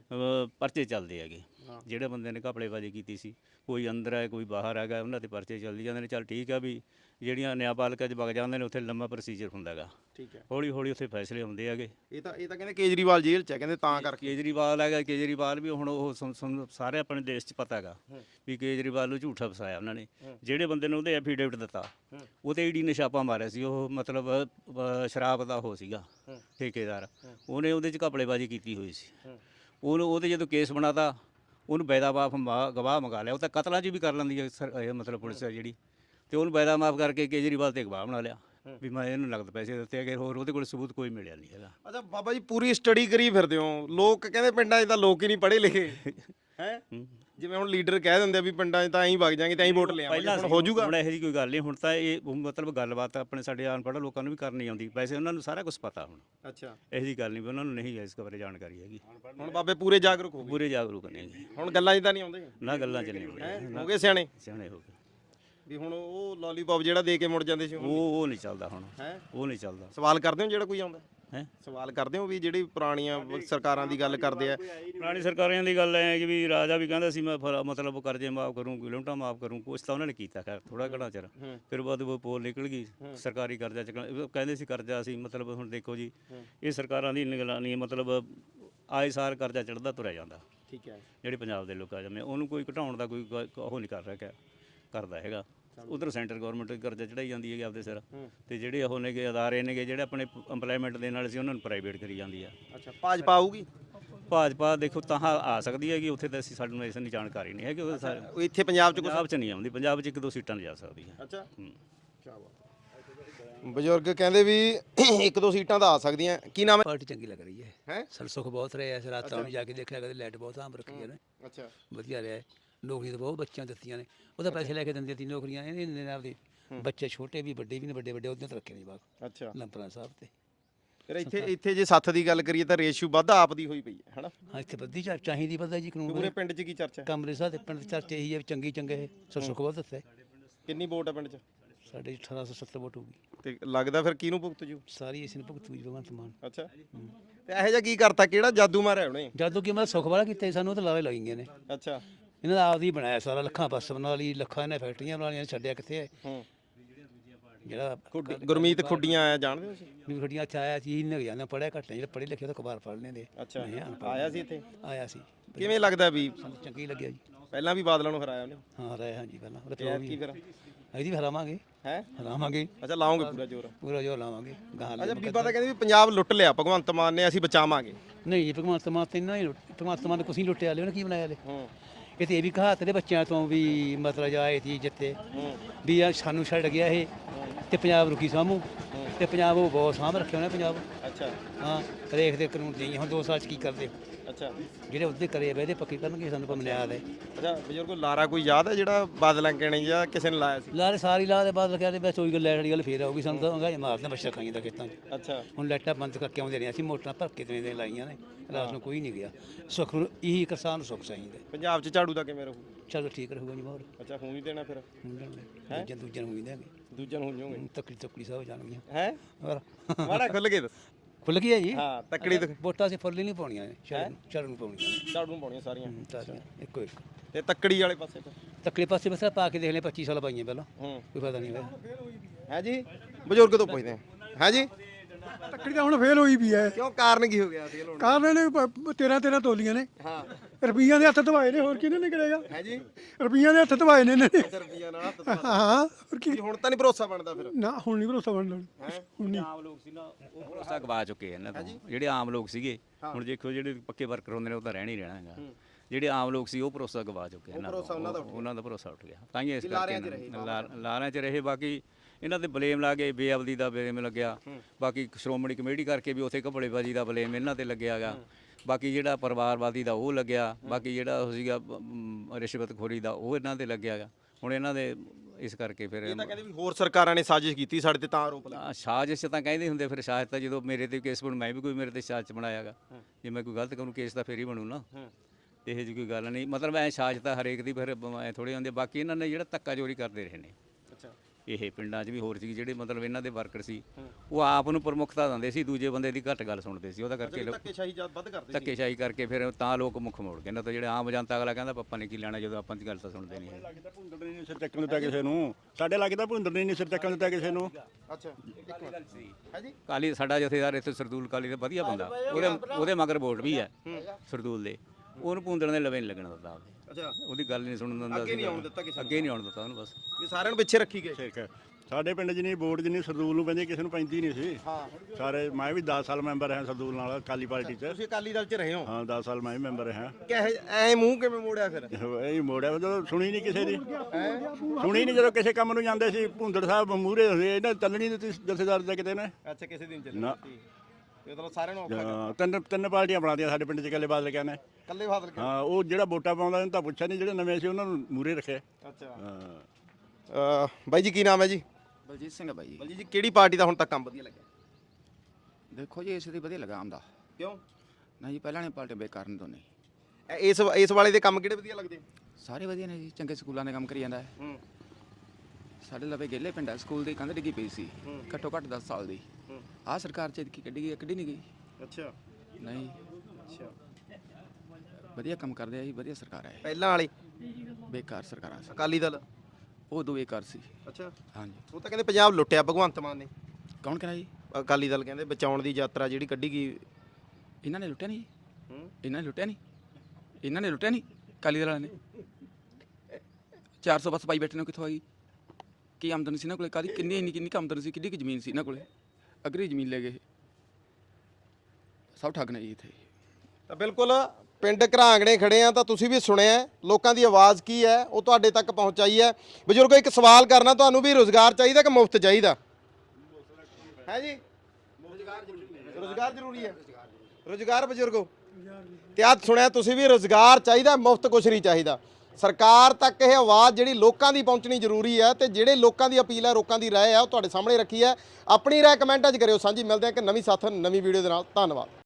S6: ਪਰਚੇ ਚੱਲਦੇ ਹੈਗੇ। ਜਿਹੜੇ ਬੰਦੇ ਨੇ ਘਪਲੇਬਾਜ਼ੀ ਕੀਤੀ ਸੀ ਕੋਈ ਅੰਦਰ ਹੈ ਕੋਈ ਬਾਹਰ ਹੈਗਾ ਉਹਨਾਂ ਤੇ ਪਰਚੇ ਚੱਲਦੀ ਜਾਂਦੇ ਨੇ। ਚੱਲ ਠੀਕ ਆ ਵੀ ਜਿਹੜੀਆਂ ਨਿਆਂਪਾਲਿਕਾ 'ਚ ਵਗ ਜਾਂਦੇ ਨੇ ਉੱਥੇ ਲੰਮਾ ਪ੍ਰੋਸੀਜਰ ਹੁੰਦਾ ਹੈਗਾ,
S2: ਠੀਕ ਹੈ
S6: ਹੌਲੀ ਹੌਲੀ ਉੱਥੇ ਫੈਸਲੇ ਹੁੰਦੇ ਹੈਗੇ।
S2: ਇਹ ਤਾਂ ਕਹਿੰਦੇ ਕੇਜਰੀਵਾਲ ਜੇਲ੍ਹ 'ਚ ਹੈ ਕਹਿੰਦੇ ਤਾਂ ਕਰਕੇ
S6: ਕੇਜਰੀਵਾਲ ਹੈਗਾ, ਕੇਜਰੀਵਾਲ ਵੀ ਹੁਣ ਉਹ ਸਾਰੇ ਆਪਣੇ ਦੇਸ਼ 'ਚ ਪਤਾ ਹੈਗਾ ਵੀ ਕੇਜਰੀਵਾਲ ਨੂੰ ਝੂਠਾ ਫਸਾਇਆ ਉਹਨਾਂ ਨੇ। ਜਿਹੜੇ ਬੰਦੇ ਨੇ ਉਹਦੇ ਐਫੀਡੇਵਿਟ ਦਿੱਤਾ ਉਹਤੇ ਈਡੀ ਨੇ ਛਾਪਾ ਮਾਰਿਆ ਸੀ। ਉਹ ਮਤਲਬ ਸ਼ਰਾਬ ਦਾ ਉਹ ਸੀਗਾ ਠੇਕੇਦਾਰ, ਉਹਨੇ ਉਹਦੇ 'ਚ ਘਪਲੇਬਾਜ਼ੀ ਕੀਤੀ ਹੋਈ ਸੀ। ਉਹਦੇ ਜਦੋਂ ਕੇਸ ਬਣਾਤਾ ਉਹਨੂੰ ਬੈਦਾ ਮਾਫ ਗਵਾਹ ਮੰਗਾ ਲਿਆ। ਉਹ ਤਾਂ ਕਤਲਾਂ 'ਚ ਵੀ ਕਰ ਲੈਂਦੀ ਹੈ ਮਤਲਬ ਪੁਲਿਸ ਹੈ ਜਿਹੜੀ, ਤੇ ਉਹਨੂੰ ਬੈਦਾ ਮਾਫ ਕਰਕੇ ਕੇਜਰੀਵਾਲ ਤੇ ਗਵਾਹ ਬਣਾ ਲਿਆ ਵੀ ਮੈਂ ਇਹਨੂੰ ਨਗਦ ਪੈਸੇ ਦਿੱਤੇ ਹੈਗੇ। ਹੋਰ ਉਹਦੇ ਕੋਲ ਸਬੂਤ ਕੋਈ ਮਿਲਿਆ ਨਹੀਂ ਹੈਗਾ।
S2: ਅੱਛਾ ਬਾਬਾ ਜੀ ਪੂਰੀ ਸਟੱਡੀ ਕਰੀ ਫਿਰਦੇ ਹੋ। ਲੋਕ ਕਹਿੰਦੇ ਪਿੰਡਾਂ 'ਚ ਤਾਂ ਲੋਕ ਹੀ ਨਹੀਂ ਪੜ੍ਹੇ ਲਿਖੇ ਹੈ। ਜਿਵੇਂ ਹੁਣ ਲੀਡਰ ਕਹਿ ਦਿੰਦੇ ਆ ਵੀ ਪਿੰਡਾਂ 'ਚ ਤਾਂ ਐਂ ਵਗ ਜਾਾਂਗੇ ਤਾਂ ਐਂ ਵੋਟ ਲਿਆਵਾਂਗੇ, ਹੁਣ ਹੋ ਜਾਊਗਾ।
S6: ਹੁਣ ਇਹੋ ਜਿਹੀ ਕੋਈ ਗੱਲ ਨਹੀਂ। ਹੁਣ ਤਾਂ ਇਹ ਮਤਲਬ ਗੱਲਬਾਤ ਆਪਣੇ ਸਾਡੇ ਅਨਪੜ੍ਹ ਲੋਕਾਂ ਨੂੰ ਵੀ ਕਰਨੀ ਆਉਂਦੀ, ਵੈਸੇ ਉਹਨਾਂ ਨੂੰ ਸਾਰਾ ਕੁਝ ਪਤਾ ਹੁਣ।
S2: ਅੱਛਾ
S6: ਇਹੋ ਜਿਹੀ ਗੱਲ ਨਹੀਂ ਵੀ ਉਹਨਾਂ ਨੂੰ ਨਹੀਂ ਇਸ ਬਾਰੇ ਜਾਣਕਾਰੀ ਹੈਗੀ।
S2: ਹੁਣ ਬਾਬੇ ਪੂਰੇ ਜਾਗਰੂਕ ਹੋ ਗਏ,
S6: ਪੂਰੇ ਜਾਗਰੂਕ ਨੇ ਜੀ।
S2: ਹੁਣ ਗੱਲਾਂ 'ਚ ਤਾਂ ਨਹੀਂ ਆਉਂਦੇ
S6: ਨਾ ਗੱਲਾਂ ਚ ਨਹੀਂ ਹੋਣੇ,
S2: ਹੋ ਗਏ ਸਿਆਣੇ
S6: ਸਿਆਣੇ ਹੋ ਗਏ।
S2: ਵੀ ਹੁਣ ਉਹ ਲੋਲੀਪੌਪ ਜਿਹੜਾ ਦੇ ਕੇ ਮੁੜ ਜਾਂਦੇ ਸੀ
S6: ਉਹ ਨਹੀਂ ਚੱਲਦਾ ਹੁਣ,
S2: ਹੈ।
S6: ਉਹ ਨਹੀਂ ਚੱਲਦਾ
S2: ਸਵਾਲ ਕਰਦੇ ਹੋ ਜਿਹੜਾ ਕੋਈ ਆਉਂਦਾ
S6: ਹੈ।
S2: ਸਵਾਲ ਕਰਦੇ ਹੋ ਵੀ ਜਿਹੜੀ ਪੁਰਾਣੀਆਂ ਸਰਕਾਰਾਂ ਦੀ ਗੱਲ ਕਰਦੇ ਆ।
S6: ਪੁਰਾਣੀ ਸਰਕਾਰਾਂ ਦੀ ਗੱਲ ਹੈ ਕਿ ਵੀ ਰਾਜਾ ਵੀ ਕਹਿੰਦਾ ਸੀ ਮੈਂ ਮਤਲਬ ਕਰਜ਼ੇ ਮਾਫ ਕਰੂੰ, ਲਿਮਟਾਂ ਮਾਫ ਕਰੂੰ। ਕੁਛ ਤਾਂ ਉਹਨਾਂ ਨੇ ਕੀਤਾ ਖੈਰ ਥੋੜਾ ਘਣਾ ਚਿਰ, ਫਿਰ ਬਾਅਦ ਉਹ ਪੋਲ ਨਿਕਲ ਗਈ ਸਰਕਾਰੀ ਕਰਜ਼ਾ ਚੱਕਣਾ ਕਹਿੰਦੇ ਸੀ ਕਰਜ਼ਾ ਸੀ। ਮਤਲਬ ਹੁਣ ਦੇਖੋ ਜੀ ਇਹ ਸਰਕਾਰਾਂ ਦੀ ਨਿਗਰਾਨੀ ਮਤਲਬ ਆਏ ਸਾਲ ਕਰਜ਼ਾ ਚੜ੍ਹਦਾ ਤੁਰਿਆ ਜਾਂਦਾ।
S2: ਠੀਕ ਹੈ
S6: ਜਿਹੜੇ ਪੰਜਾਬ ਦੇ ਲੋਕਾਂ ਜਮੇ ਉਹਨੂੰ ਕੋਈ ਘਟਾਉਣ ਦਾ ਕੋਈ ਉਹ ਨਹੀਂ ਕਰ ਰਿਹਾ ਕਰਦਾ ਹੈਗਾ। ਉਧਰ ਸੈਂਟਰ ਗਵਰਨਮੈਂਟ ਕਰਜ਼ਾ ਚੜਾਈ ਜਾਂਦੀ ਹੈਗੀ ਆਪਦੇ ਸਿਰ, ਤੇ ਜਿਹੜੇ ਉਹ ਨੇਗੇ ਅਦਾਰੇ ਨੇਗੇ ਜਿਹੜੇ ਆਪਣੇ ਇੰਪਲੋਇਮੈਂਟ ਦੇਣ ਵਾਲੇ ਸੀ ਉਹਨਾਂ ਨੂੰ ਪ੍ਰਾਈਵੇਟ ਕਰੀ ਜਾਂਦੀ ਆ।
S2: ਅੱਛਾ ਭਾਜਪਾ ਆਊਗੀ
S6: ਭਾਜਪਾ ਦੇਖੋ ਤਾਂ ਆ ਸਕਦੀ ਹੈ ਕਿ ਉੱਥੇ ਤਾਂ ਸਾਨੂੰ ਇਸ ਦੀ ਜਾਣਕਾਰੀ ਨਹੀਂ ਹੈ ਕਿ ਉਹ
S2: ਉਹ ਇੱਥੇ ਪੰਜਾਬ 'ਚ ਕੁਛ
S6: ਪੰਜਾਬ 'ਚ ਨਹੀਂ ਆਉਂਦੀ, ਪੰਜਾਬ 'ਚ 1-2 ਸੀਟਾਂ ਲਿਜਾ ਸਕਦੀ ਹੈ।
S2: ਅੱਛਾ
S6: ਹੂੰ।
S2: ਬਜ਼ੁਰਗ ਕਹਿੰਦੇ ਵੀ 1-2 ਸੀਟਾਂ ਤਾਂ ਆ ਸਕਦੀਆਂ। ਕੀ ਨਾਮ ਹੈ?
S4: ਪਾਰਟੀ ਚੰਗੀ ਲੱਗ ਰਹੀ ਹੈ
S2: ਹੈ
S4: ਸਰ ਸੁੱਖ ਬਹੁਤ ਰਿਹਾ ਇਸ ਰਾਤਾਂ ਨੂੰ ਜਾ ਕੇ ਦੇਖਿਆ ਕਦੇ ਲਾਈਟ ਬਹੁਤ ਆਮ ਰੱਖੀ ਹੈ ਨੇ
S2: ਅੱਛਾ
S4: ਵਧੀਆ ਰਿਹਾ ਹੈ। ਨੌਕਰੀ ਤਾਂ ਬਹੁਤ ਬੱਚਿਆਂ ਦਿੱਤੀਆਂ ਨੇ ਉਹਦਾ ਪੈਸੇ ਲੈ ਕੇ ਦਿੰਦੀਆਂ ਤੀ ਨੌਕਰੀਆਂ ਇਹਨੇ ਦਿੰਦੇ ਨੇ ਆਪਦੇ ਬੱਚੇ ਛੋਟੇ ਵੀ ਵੱਡੇ ਵੀ ਨੇ ਵੱਡੇ ਵੱਡੇ ਉਹਦੇ ਤੇ ਰੱਖੇ ਨੇ ਜਵਾਕ
S2: ਅੱਛਾ
S4: ਲੰਪਰਾ ਸਾਹਿਬ ਤੇ
S2: ਫਿਰ ਇੱਥੇ ਜੇ ਸੱਥ ਦੀ ਗੱਲ ਕਰੀਏ ਤਾਂ ਰੇਸ਼ੂ ਵੱਧ ਆਪ ਦੀ ਹੋਈ ਪਈ ਹੈ ਹਨਾ।
S4: ਹਾਂ ਇੱਥੇ ਬੱਦੀ ਚਾਹੀਦੀ ਪਤਾ ਜੀ
S2: ਪੂਰੇ
S4: ਕਾਨੂੰਨ
S2: ਪਿੰਡ 'ਚ ਕੀ ਚਰਚਾ ਹੈ?
S4: ਕਮਰੇ ਸਾਹਿਬ ਦੇ ਪਿੰਡ ਦੀ ਚਰਚਾ ਇਹੀ ਹੈ ਵੀ ਚੰਗੀ ਚੰਗੇ ਸਰ ਸੁੱਖ ਬਹੁਤ ਦਿੱਤਾ
S2: ਕਿੰਨੀ ਵੋਟ ਹੈ ਪਿੰਡ 'ਚ?
S4: ਸਾਡੇ 1870 ਵੋਟ ਹੋਊਗੀ
S2: ਤੇ ਲੱਗਦਾ ਫਿਰ ਕਿਹਨੂੰ ਭੁਗਤ ਜੂ?
S4: ਸਾਰੀ ਇਸ ਨੂੰ ਭੁਗਤੂ ਜੀ ਭਗਵੰਤ ਮਾਨ
S2: ਅੱਛਾ ਤੇ ਇਹੋ ਜਿਹਾ ਕੀ ਕਰਤਾ, ਕਿਹੜਾ ਜਾਦੂ ਮਾਰਿਆ ਉਹਨੇ?
S4: ਜਦੋਂ ਕਿ ਮੈਂ ਸੁੱਖ ਵਾਲਾ ਕੀਤਾ ਸੀ, ਸਾਨੂੰ ਉਹ ਤਾਂ ਲਾਵੇ ਲਾਈ ਗਏ ਨੇ
S2: ਅੱਛਾ
S4: ਇਹਨਾਂ ਦਾ ਆਪਦੀ ਬਣਾਇਆ ਸਾਰਾ ਲੱਖਾਂ ਬੱਸ ਬਣਾ ਲਈ ਲੱਖਾਂ ਨੇ ਫੈਕਟਰੀਆਂ ਬਣਾ ਲਈਆਂ ਛੱਡਿਆ ਕਿੱਥੇ ਹੈ
S2: ਹੂੰ
S4: ਜਿਹੜਾ
S2: ਗੁਰਮੀਤ ਖੁੱਡੀਆਂ ਆਇਆ, ਜਾਣਦੇ ਹੋ ਤੁਸੀਂ?
S4: ਵੀ ਗੱਡੀਆਂ ਚ ਆਇਆ ਸੀ ਨਹੀਂ ਜਾਂਦਾ ਪੜਿਆ ਘੱਟ ਨੇ ਜਿਹੜੇ ਪੜ੍ਹੇ ਲਿਖੇ ਉਹ ਤਾਂ ਕਬਾਰ ਫੜ ਲੈਂਦੇ
S2: ਅੱਛਾ
S4: ਨਹੀਂ ਅਨਪੜ੍ਹ
S2: ਆਇਆ ਸੀ ਇੱਥੇ?
S4: ਆਇਆ ਸੀ
S2: ਕਿਵੇਂ ਲੱਗਦਾ ਵੀ
S4: ਸਾਨੂੰ ਚੰਗੀ ਲੱਗਿਆ ਜੀ
S2: ਪਹਿਲਾਂ ਵੀ ਬਾਦਲਾਂ ਨੂੰ ਹਰਾਇਆ ਉਹਨੇ?
S4: ਹਾਂ ਰਹੇ ਹਾਂ ਜੀ ਪਹਿਲਾਂ ਉਹਦੇ
S2: ਤੇ
S4: ਪਿਓ
S2: ਕੀ
S4: ਵੀ
S2: ਫਿਰ
S4: ਇਹਦੀ ਵੀ ਹਰਾਵਾਂਗੇ
S2: ਹੈ?
S4: ਹਰਾਵਾਂਗੇ
S2: ਅੱਛਾ ਲਾਉਂਗੇ ਪੂਰਾ ਜ਼ੋਰ।
S4: ਪੂਰਾ ਜੋ ਲਾਵਾਂਗੇ ਗਾਹਾਂ
S2: ਅੱਛਾ
S4: ਲਈ
S2: ਬੀਬਾ ਤਾਂ ਕਹਿੰਦੀ ਵੀ ਪੰਜਾਬ ਲੁੱਟ ਲਿਆ ਭਗਵੰਤ ਮਾਨ ਨੇ, ਅਸੀਂ ਬਚਾਵਾਂਗੇ।
S4: ਨਹੀਂ ਜੀ ਭਗਵੰਤ ਮਾਨ ਤੇ ਨਾ ਹੀ ਭਗਵੰਤ ਮਾਨ ਨੇ ਕੁਛ ਨਹੀਂ ਲੁੱਟਿਆ ਲਿਆ ਉਹਨੇ ਕੀ ਬਣਾਇਆ ਲੈ
S2: ਹੂੰ
S4: ਇਹ ਤੇ ਇਹ ਵੀ ਕਹਾ ਤੇਰੇ ਬੱਚਿਆਂ ਤੋਂ ਵੀ ਮਤਲਬ ਆਏ ਸੀ ਜਿੱਤੇ ਵੀ ਆ ਸਾਨੂੰ ਛੱਡ ਗਿਆ ਇਹ ਤੇ ਪੰਜਾਬ ਰੁਕੀ ਸਾਹਮੂ ਤੇ ਪੰਜਾਬ ਉਹ ਬਹੁਤ ਸਾਂਭ ਰੱਖਿਆ ਉਹਨੇ ਪੰਜਾਬ
S2: ਅੱਛਾ
S4: ਹਾਂ ਦੇਖਦੇ ਕਾਨੂੰਨ ਦੀ ਹੁਣ 2 ਸਾਲ ਚ ਕੀ ਕਰਦੇ
S2: ਅੱਛਾ
S4: ਜਿਹੜੇ ਉਹਦੇ ਕਰੇ ਵੇ ਇਹਦੇ ਪੱਕੇ ਕਰਨਗੇ ਸਾਨੂੰ ਕੋਈ ਮਨਿਆਦ ਹੈ
S2: ਅੱਛਾ ਬਜ਼ੁਰਗੋ ਲਾਰਾ ਕੋਈ ਯਾਦ ਹੈ ਜਿਹੜਾ ਬਾਦਲਾਂ ਕਹਿਣੇ ਜਾਂ ਕਿਸੇ ਨੇ ਲਾਇਆ ਸੀ?
S4: ਲਾਰੇ ਸਾਰੀ ਲਾ ਦੇ ਬਾਅਦ ਕਹਿੰਦੇ ਦੇ ਬਸ ਉਹੀ ਗੱਲ ਲੈਟ ਵਾਲੀ ਗੱਲ ਫੇਰ ਆਊਗੀ ਸਾਨੂੰ ਤਾਂ ਅੰਗਾਈ ਮਾਰਦੇ ਬੱਚਾ ਖਾਈਆਂ ਦਾ ਖੇਤਾਂ 'ਚ
S2: ਅੱਛਾ
S4: ਹੁਣ ਲਾਈਟਾਂ ਬੰਦ ਕਰਕੇ ਆਉਂਦੇ ਰਹੇ ਅਸੀਂ ਮੋਟਰਾਂ ਭਰ ਕੇ ਦੇ ਲਾਈਆਂ ਨੇ ਰਾਤ ਨੂੰ ਕੋਈ ਨਹੀਂ ਗਿਆ ਸੁੱਖ ਨੂੰ ਇਹੀ ਕਿਸਾਨ ਨੂੰ ਸੁੱਖ ਚਾਹੀਦਾ
S2: ਪੰਜਾਬ 'ਚ ਝਾੜੂ ਦਾ ਕਿਵੇਂ ਰਹੂ?
S4: ਚਲੋ ਠੀਕ ਰਹੂਗਾ ਜੀ ਮੋਰ
S2: ਅੱਛਾ ਹੁਣ ਹੀ ਦੇਣਾ ਫਿਰ?
S4: ਦੂਜੇ ਨੂੰ ਵੀ ਦੇਣਗੇ
S2: ਦੂਜਿਆਂ ਨੂੰ ਹੁਣ ਜਾਓਗੇ
S4: ਤੱਕੜੀ ਸਭ ਜਾਣਗੀਆਂ
S2: ਹੈ?
S4: ਹੋਰ
S2: ਮਾੜਾ ਖੁੱਲ ਕੇ ਦੱਸ।
S4: ਖੁੱਲ ਗਿਆ ਜੀ
S2: ਹਾਂ ਤੱਕੜੀ ਤੇ
S4: ਵੋਟਾਂ ਅਸੀਂ ਫੁੱਲ ਹੀ ਨਹੀਂ ਪਾਉਣੀਆਂ ਨੇ ਚੜ੍ਹ ਨੂੰ ਪਾਉਣੀਆਂ ਨੇ
S2: ਝਾੜੂ ਨੂੰ ਪਾਉਣੀਆਂ ਸਾਰੀਆਂ।
S4: ਸਾਰੀਆਂ ਇੱਕੋ ਇੱਕ
S2: ਤੇ ਤੱਕੜੀ ਵਾਲੇ ਪਾਸੇ ਫਿਰ?
S4: ਤੱਕੜੇ ਪਾਸੇ ਬਸ ਪਾ ਕੇ ਦੇਖ ਲੈ 25 ਸਾਲ ਪਾਈਆਂ ਪਹਿਲਾਂ
S2: ਹੂੰ
S4: ਕੋਈ ਫਾਇਦਾ ਨਹੀਂ ਹੋਇਆ
S2: ਹੈ ਜੀ ਬਜ਼ੁਰਗ ਤੋਂ ਪੁੱਛਦੇ ਹਾਂ। ਹੈ ਜੀ
S3: ਤੱਕੜੀ ਤਾਂ ਹੁਣ ਫੇਲ ਹੋਈ ਵੀ ਹੈ
S2: ਕਿਉਂ, ਕਾਰਨ ਕੀ ਹੋ ਗਿਆ ਸੀ ਹੁਣ?
S3: ਕਾਰਨ ਨੇ 13 ਤੋਲੀਆਂ ਨੇ
S2: ਹਾਂ
S3: ਰੁਪਈਆਂ ਦੇ ਹੱਥ ਧਵਾਏ ਨੇ, ਹੋਰ ਕਿਹਨੇ ਨੇ ਕਰੇਗਾ?
S2: ਹੈ ਜੀ
S3: ਰੁਪਈਆਂ ਦੇ ਹੱਥ ਧਵਾਏ ਨੇ ਇਹਨਾਂ ਨੇ।
S2: ਰੁਪਈਆ ਨਾਲ ਹੱਥ ਧਵਾ
S3: ਹਾਂ ਹੋਰ ਕੀ
S2: ਦਿੱਤੇ। ਹੁਣ ਤਾਂ ਨਹੀਂ ਭਰੋਸਾ ਬਣਦਾ ਫਿਰ?
S3: ਨਾ ਹੁਣ ਨਹੀਂ ਭਰੋਸਾ ਬਣਦਾ ਹੁਣ ਨਹੀਂ।
S6: ਆਮ ਲੋਕ ਸੀ ਨਾ ਉਹ ਭਰੋਸਾ ਗਵਾ ਚੁੱਕੇ ਇਹਨਾਂ ਤੋਂ ਜਿਹੜੇ ਆਮ ਲੋਕ ਸੀਗੇ ਹੁਣ ਦੇਖੋ ਜਿਹੜੇ ਪੱਕੇ ਵਰਕਰ ਹੁੰਦੇ ਨੇ ਉਹ ਤਾਂ ਰਹਿਣ ਹੀ ਰਹਿਣਾ ਹੈਗਾ ਜਿਹੜੇ ਆਮ ਲੋਕ ਸੀ ਉਹ ਭਰੋਸਾ ਗਵਾ ਚੁੱਕੇ ਇਹਨਾਂ ਦਾ ਉਹਨਾਂ ਦਾ ਭਰੋਸਾ ਉੱਠ ਗਿਆ ਤਾਂ ਹੀ ਇਸ ਕਰਕੇ ਲਾਰਿਆਂ 'ਚ ਰਹੇ ਬਾਕੀ ਇਹਨਾਂ ਤੇ ਬਲੇਮ ਲਾ ਕੇ ਬੇਅਬਦੀ ਦਾ ਬਲੇਮ ਲੱਗਿਆ ਬਾਕੀ ਸ਼੍ਰੋਮਣੀ ਕਮੇਟੀ ਕਰਕੇ ਵੀ ਉੱਥੇ ਘਪੜੇਬਾਜ਼ੀ ਦਾ ਬਲੇਮ ਇਹਨਾਂ ਤੇ ਲੱਗਿਆਗਾ ਬਾਕੀ ਜਿਹੜਾ ਪਰਿਵਾਰਵਾਦੀ ਦਾ ਉਹ ਲੱਗਿਆ ਬਾਕੀ ਜਿਹੜਾ ਉਹ ਸੀਗਾ ਰਿਸ਼ਵਤਖੋਰੀ ਦਾ ਉਹ ਇਹਨਾਂ ਤੇ ਲੱਗਿਆਗਾ ਹੁਣ ਇਹਨਾਂ ਦੇ ਇਸ ਕਰਕੇ ਫਿਰ
S2: ਇਹ ਤਾਂ ਕਹਿੰਦੇ ਵੀ ਹੋਰ ਸਰਕਾਰਾਂ ਨੇ ਸਾਜ਼ਿਸ਼ ਕੀਤੀ ਸਾਡੇ ਤੇ ਤਾਂ ਆਰੋਪ ਲੱਗਾ।
S6: ਸਾਜ਼ਿਸ਼ ਤਾਂ ਕਹਿੰਦੇ ਹੁੰਦੇ ਫਿਰ ਸ਼ਾਇਦ ਤਾਂ ਜਦੋਂ ਮੇਰੇ ਤੇ ਕੇਸ ਬਣੂ ਮੈਂ ਵੀ ਕੋਈ ਮੇਰੇ ਤੇ ਸਾਜ਼ਿਸ਼ ਬਣਾਇਆਗਾ ਜੇ ਮੈਂ ਕੋਈ ਗਲਤ ਕਰੂੰ ਕੇਸ ਤਾਂ ਫੇਰ ਹੀ ਬਣੂ ਨਾ ਇਹੋ ਜਿਹੀ ਕੋਈ ਗੱਲ ਨਹੀਂ ਮਤਲਬ ਐ ਸਾਜ਼ਿਸ਼ ਤਾਂ ਹਰੇਕ ਦੀ ਫਿਰ ਥੋੜੇ ਹੁੰਦੇ ਬਾਕੀ ਇਹਨਾਂ ਨੇ ਜਿਹੜਾ ਧੱਕਾ ਚੋਰੀ ਕਰਦੇ ਰਹੇ ਨੇ
S2: ਅੱਛਾ
S6: ਇਹ ਪਿੰਡਾਂ 'ਚ ਵੀ ਹੋਰ ਸੀ ਜਿਹੜੇ ਮਤਲਬ ਇਹਨਾਂ ਦੇ ਵਰਕਰ ਸੀ ਉਹ ਆਪ ਨੂੰ ਪ੍ਰਮੁੱਖਤਾ ਦਿੰਦੇ ਸੀ ਦੂਜੇ ਬੰਦੇ ਦੀ ਘੱਟ ਗੱਲ ਸੁਣਦੇ ਸੀ ਉਹਦਾ ਕਰਕੇ
S2: ਧੱਕੇਸ਼ਾਹੀ ਜਦ ਵੱਧ ਕਰਦੇ ਸੀ।
S6: ਧੱਕੇਸ਼ਾਹੀ ਕਰਕੇ ਫਿਰ ਤਾਂ ਲੋਕ ਮੁੱਖ ਮੋੜ ਗਏ ਨਾ ਤਾਂ ਜਿਹੜੇ ਆਮ ਜਨਤਾ ਅਗਲਾ ਕਹਿੰਦਾ ਪੱਪਾ ਨੇ ਕੀ ਲੈਣਾ ਜਦੋਂ ਆਪਾਂ ਦੀ ਗੱਲ ਤਾਂ ਸੁਣਦੇ ਨਹੀਂ
S1: ਲੱਗਦਾ ਭੁੰਦਰ ਨੇ ਨਹੀਂ ਸਿਰ ਚੱਕਣ ਦਿੱਤਾ ਕਿਸੇ ਨੂੰ, ਸਾਡੇ ਲੱਗਦਾ ਭੁੰਦਰ ਨੇ ਨਹੀਂ ਸਿਰ ਚੱਕਣ ਦਿੱਤਾ ਕਿਸੇ ਨੂੰ।
S2: ਅੱਛਾ ਹੈ ਜੀ
S6: ਕਾਲੀ ਸਾਡਾ ਜਥੇਦਾਰ ਇੱਥੇ ਸਰਦੂਲ ਕਾਲੀ ਦਾ ਵਧੀਆ ਬੰਦਾ ਉਹਦੇ ਮਗਰ ਵੋਟ ਵੀ ਹੈ ਸਰਦੂਲ ਦੇ ਉਹਨੂੰ ਭੁੰਦਰ ਨੇ ਲਵੇ ਨਹੀਂ ਲੱਗਣ ਦਿੱਤਾ ਆਪਦੇ
S2: ਅੱਛਾ
S6: ਉਹਦੀ ਗੱਲ ਨਹੀਂ ਸੁਣਨ ਦਿੰਦਾ
S2: ਅੱਗੇ ਨਹੀਂ ਆਉਣ ਦਿੱਤਾ ਕਿਸੇ
S6: ਅੱਗੇ ਨਹੀਂ ਆਉਣ ਦਿੱਤਾ ਉਹਨੂੰ ਬਸ
S2: ਵੀ ਸਾਰਿਆਂ ਨੂੰ ਪਿੱਛੇ ਰੱਖੀ ਗਏ।
S1: ਠੀਕ ਹੈ ਸਾਡੇ ਪਿੰਡ ਜਿੰਨੀ ਵੋਟ ਜਿੰਨੀ ਸਰਦੂਲ ਨੂੰ ਪੈਂਦੀ ਕਿਸੇ ਨੂੰ ਪੈਂਦੀ ਨਹੀਂ ਸੀ।
S2: ਹਾਂ
S1: ਸਾਰੇ ਮੈਂ ਵੀ 10 ਸਾਲ ਮੈਂਬਰ ਹਾਂ ਸਰਦੂਲ ਨਾਲ ਅਕਾਲੀ ਪਾਰਟੀ 'ਚ।
S2: ਤੁਸੀਂ ਅਕਾਲੀ ਦਲ 'ਚ ਰਹੇ ਹੋ?
S1: ਹਾਂ 10 ਸਾਲ ਮੈਂ ਵੀ ਮੈਂਬਰ ਹਾਂ।
S2: ਕਿਹੇ ਐ ਮੂੰਹ ਕਿਵੇਂ ਮੋੜਿਆ ਫਿਰ?
S1: ਇਹ ਮੋੜਿਆ ਜਦੋਂ ਸੁਣੀ ਨਹੀਂ ਕਿਸੇ ਦੀ, ਸੁਣੀ ਨਹੀਂ ਜਦੋਂ ਕਿਸੇ ਕੰਮ ਨੂੰ ਜਾਂਦੇ ਸੀ ਭੁੰਦਰ ਸਾਹਿਬ ਮੂਹਰੇ ਹੁੰਦੇ ਇਹਨਾਂ ਚੱਲਣੀ ਨਹੀਂ ਜਥੇਦਾਰ ਦਾ ਕਿਤੇ ਨੇ।
S2: ਅੱਛਾ ਕਿਸੇ ਦਿਨ ਚੱਲੇ
S1: ਨਾ
S2: ਮਤਲਬ ਸਾਰਿਆਂ ਨੂੰ ਔਖਾ
S1: ਹਾਂ, ਤਿੰਨ ਪਾਰਟੀਆਂ ਬਣਾਦੀਆਂ ਸਾਡੇ ਪਿੰਡ 'ਚ ਇਕੱਲੇ ਬਾਦਲ ਕਿਆ ਨੇ।
S2: ਇਕੱਲੇ ਬਾਦਲ ਕੇ।
S1: ਹਾਂ ਉਹ ਜਿਹੜਾ ਵੋਟਾਂ ਪਾਉਂਦਾ ਉਹਨੂੰ ਤਾਂ ਪੁੱਛਿਆ ਨਹੀਂ, ਜਿਹੜੇ ਨਵੇਂ ਸੀ ਉਹਨਾਂ ਨੂੰ ਮੂਹਰੇ ਰੱਖਿਆ।
S2: ਅੱਛਾ
S1: ਹਾਂ
S2: ਬਾਈ ਜੀ ਕੀ ਨਾਮ ਹੈ ਜੀ?
S5: ਬਲਜੀਤ ਸਿੰਘ ਹੈ ਬਾਈ ਜੀ।
S2: ਬਲਜੀਤ ਜੀ ਕਿਹੜੀ ਪਾਰਟੀ ਦਾ ਹੁਣ ਤੱਕ ਕੰਮ ਵਧੀਆ ਲੱਗਿਆ?
S5: ਦੇਖੋ ਜੀ ਇਸ ਦੀ ਵਧੀਆ ਲੱਗਾ ਆਮ ਦਾ।
S2: ਕਿਉਂ?
S5: ਨਾ ਜੀ ਪਹਿਲਾਂ ਨੇ ਪਾਰਟੀ ਬੇਕਾਰ ਨੇ ਦੋਨੇ
S2: ਇਸ ਵਾਲੇ ਦੇ ਕੰਮ ਕਿਹੜੇ ਵਧੀਆ ਲੱਗਦੇ?
S5: ਸਾਰੇ ਵਧੀਆ ਨੇ ਜੀ ਚੰਗੇ ਸਕੂਲਾਂ ਦੇ ਕੰਮ ਕਰੀ ਜਾਂਦਾ ਹੈ।
S2: ਹੂੰ
S5: ਸਾਡੇ ਲਵੇ ਗੇਲੇ ਪਿੰਡ ਹੈ ਸਕੂਲ ਦੀ ਕੰਧ ਡਿੱਗੀ ਪਈ ਸੀ ਘੱਟੋ ਘੱਟ 10 ਸਾਲ ਦੀ ਆਹ ਸਰਕਾਰ ਚ ਕੀ ਕੱਢੀ ਗਈ ਕੱਢੀ ਨਹੀਂ ਗਈ
S2: ਅੱਛਾ
S5: ਨਹੀਂ
S2: ਅੱਛਾ
S5: ਵਧੀਆ ਕੰਮ ਕਰਦੇ ਆ ਜੀ ਵਧੀਆ ਸਰਕਾਰ ਹੈ
S2: ਪਹਿਲਾਂ ਵਾਲੀ
S5: ਬੇਕਾਰ ਸਰਕਾਰਾਂ ਸੀ
S2: ਅਕਾਲੀ ਦਲ।
S5: ਉਹ ਦੋ ਬੇਕਾਰ ਸੀ
S2: ਅੱਛਾ
S5: ਹਾਂਜੀ
S2: ਉਹ ਤਾਂ ਕਹਿੰਦੇ ਪੰਜਾਬ ਲੁੱਟਿਆ ਭਗਵੰਤ ਮਾਨ ਨੇ।
S5: ਕੌਣ ਕਹਿੰਦਾ ਜੀ
S2: ਅਕਾਲੀ ਦਲ ਕਹਿੰਦੇ ਬਚਾਉਣ ਦੀ ਯਾਤਰਾ ਜਿਹੜੀ ਕੱਢੀ ਗਈ।
S5: ਇਹਨਾਂ ਨੇ ਲੁੱਟਿਆ ਨਹੀਂ
S2: ਹੂੰ
S5: ਇਹਨਾਂ ਨੇ ਲੁੱਟਿਆ ਨਹੀਂ ਇਹਨਾਂ ਨੇ ਲੁੱਟਿਆ ਨਹੀਂ ਅਕਾਲੀ ਦਲ ਵਾਲਿਆਂ ਨੇ 400 ਬੱਸ ਪਾਈ ਬੈਠੇ ਨੇ ਕਿੱਥੋਂ ਆ ਗਈ ਕੀ ਆਮਦਨ ਸੀ ਇਹਨਾਂ ਕੋਲੇ ਕਾਦੀ ਕਿੰਨੀ ਆਮਦਨ ਸੀ ਕਿੰਨੀ ਕੁ ਜ਼ਮੀਨ ਸੀ ਇਹਨਾਂ ਕੋਲੇ ਅਗਰੀ ਜ਼ਮੀਨ ਲੈ ਗਏ ਸਭ ਠੱਗ ਨੇ ਜੀ ਇੱਥੇ
S2: ਤਾਂ ਬਿਲਕੁਲ ਪਿੰਡ ਘਰਾਂਗਣੇ ਖੜੇ ਆ ਤਾਂ ਤੁਸੀਂ ਵੀ ਸੁਣਿਆ ਹੈ, ਲੋਕਾਂ ਦੀ ਆਵਾਜ਼ ਕੀ ਹੈ ਉਹ ਤੁਹਾਡੇ ਤੱਕ ਪਹੁੰਚਾਈ ਹੈ। ਬਜ਼ੁਰਗੋ ਇੱਕ ਸਵਾਲ ਕਰਨਾ ਤੁਹਾਨੂੰ ਵੀ, ਰੋਜ਼ਗਾਰ ਚਾਹੀਦਾ ਕਿ ਮੁਫਤ ਚਾਹੀਦਾ ਹੈ ਜੀ? ਰੋਜ਼ਗਾਰ ਜ਼ਰੂਰੀ ਹੈ। ਰੋਜ਼ਗਾਰ ਬਜ਼ੁਰਗੋ ਤੇ ਅੱਜ ਸੁਣਿਆ ਤੁਸੀਂ ਵੀ, ਰੋਜ਼ਗਾਰ ਚਾਹੀਦਾ, ਮੁਫਤ ਕੁਛ ਨਹੀਂ ਚਾਹੀਦਾ। ਸਰਕਾਰ ਤੱਕ ਇਹ ਆਵਾਜ਼ ਜਿਹੜੀ ਲੋਕਾਂ ਦੀ ਪਹੁੰਚਣੀ ਜ਼ਰੂਰੀ ਹੈ ਤੇ ਜਿਹੜੇ ਲੋਕਾਂ ਦੀ ਅਪੀਲ ਹੈ, ਲੋਕਾਂ ਦੀ ਰਾਏ ਹੈ ਉਹ ਤੁਹਾਡੇ ਸਾਹਮਣੇ ਰੱਖੀ ਹੈ। ਆਪਣੀ ਰਾਏ ਕਮੈਂਟਾਂ 'ਚ ਕਰਿਓ ਸਾਂਝੀ। ਮਿਲਦੇ ਹਾਂ ਕਿ ਨਵੀਂ ਸਾਥ ਨਵੀਂ ਵੀਡੀਓ ਦੇ ਨਾਲ। ਧੰਨਵਾਦ।